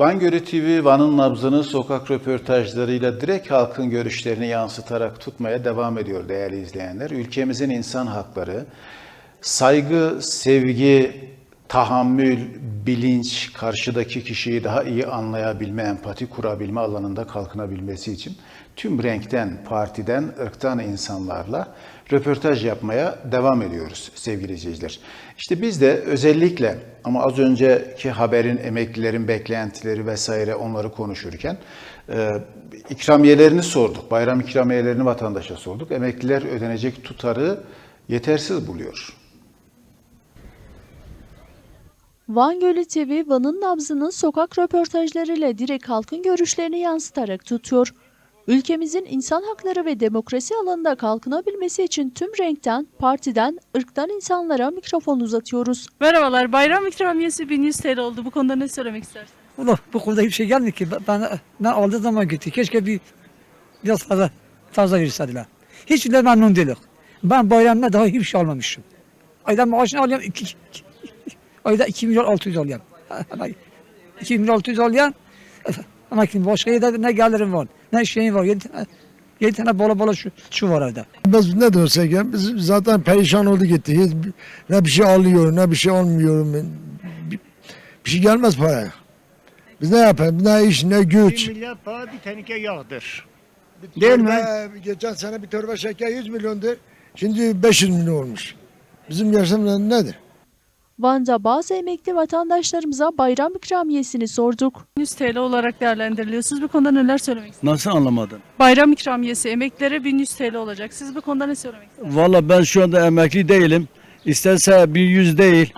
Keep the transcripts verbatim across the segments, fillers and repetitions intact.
Van Gölü T V, Van'ın nabzını sokak röportajlarıyla direkt halkın görüşlerini yansıtarak tutmaya devam ediyor değerli izleyenler. Ülkemizin insan hakları, saygı, sevgi, tahammül, bilinç, karşıdaki kişiyi daha iyi anlayabilme, empati kurabilme alanında kalkınabilmesi için tüm renkten, partiden, ırktan insanlarla röportaj yapmaya devam ediyoruz sevgili izleyiciler. İşte biz de özellikle ama az önceki haberin emeklilerin beklentileri vesaire onları konuşurken e, ikramiyelerini sorduk. Bayram ikramiyelerini vatandaşa sorduk. Emekliler ödenecek tutarı yetersiz buluyor. Van Gölü T V, Van'ın nabzını sokak röportajlarıyla direkt halkın görüşlerini yansıtarak tutuyor. Ülkemizin insan hakları ve demokrasi alanında kalkınabilmesi için tüm renkten, partiden, ırktan insanlara mikrofon uzatıyoruz. Merhabalar, bayram ikramiyesi bin yüz T L oldu. Bu konuda ne söylemek istersiniz? Ulan bu konuda hiçbir şey gelmiyor ki. Ben, ben aldığı zaman gitti. Keşke bir biraz fazla fazla verirseler. Hiç de memnun değilim. Ben bayramda daha hiçbir şey almamışım. Ayda maaşını alıyorum. Iki, iki, ayda iki milyon altı yüz alıyorum. iki milyon altı yüz alıyorum. Ama kim başka yerde ne gelirim var, ne şeyim var. Yedi tane, yedi tane bola bola şu, şu var orada. Biz ne dersek ya, biz zaten perişan oldu gitti. Hiç, ne bir şey alıyor, ne bir şey almıyorum. Bir, bir şey gelmez paraya. Biz ne yapalım, ne iş, ne güç. Bir milyar para bir teneke yağdır. Bir Değil torba, geçen sene bir torba şeker yüz milyondur. Şimdi beş yüz milyon olmuş. Bizim yaşamımız nedir? Van'da bazı emekli vatandaşlarımıza bayram ikramiyesini sorduk. bin yüz T L olarak değerlendiriliyor. Siz bu konuda neler söylemek istersiniz? Nasıl anlamadın? Bayram ikramiyesi emeklilere bin yüz T L olacak. Siz bu konuda ne söylemek istersiniz? Valla ben şu anda emekli değilim. İsterse bin yüz değil,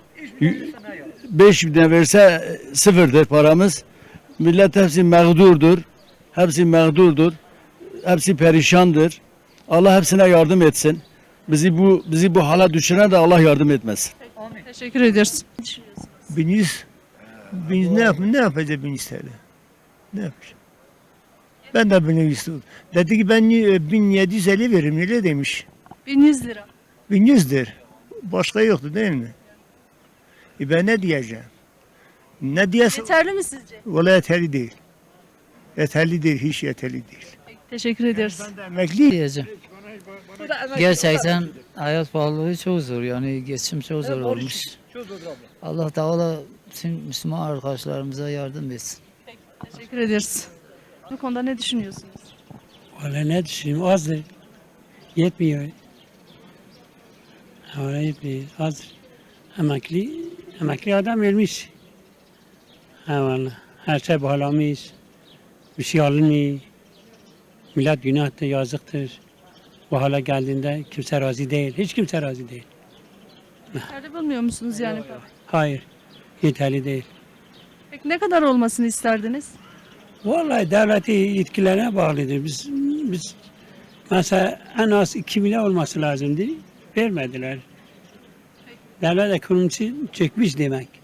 beş bin verse sıfırdır paramız. Millet hepsi mağdurdur. Hepsi mağdurdur. Hepsi perişandır. Allah hepsine yardım etsin. Bizi bu bizi bu hala düşüren de Allah yardım etmesin. Teşekkür ederiz. bin yüz, bin yüz ne yap ne yapacak bin yüz T L? Ne yapacak? Ben de bin yüz dedi ki ben bin yedi yüz elli veririm öyle demiş. bin yüz lira. bin yüzdür. Başka yoktu değil mi? E ben ne diyeceğim? Ne diyesem? Yeterli mi sizce? Valla yeterli değil. Yeterli değil, hiç yeterli değil. Teşekkür ederiz. Ben de emekli. Diyeceğim. Gerçekten hayat pahalılığı çok zor, yani geçim çok zor olmuş. Allah Teala tüm Müslüman arkadaşlarımıza yardım etsin. Teşekkür ederiz. Bu konuda ne düşünüyorsunuz? Valla ne düşüneyim, azdır. Yetmiyor. Valla yetmiyor, azdır. Emekli, emekli adam ölmüş. Ha valla, her şey bağlamış. Bir şey alınmıyor. Millet günahtır, yazıktır. Bu hale geldiğinde kimse razı değil, hiç kimse razı değil. Yeterli bulmuyor musunuz yani? Hayır, yeterli değil. Peki ne kadar olmasını isterdiniz? Vallahi devleti yetkilerine bağlıdır. Biz, biz mesela en az iki milyar olması lazımdı, vermediler. Devlet ekonomisi çökmüş demek.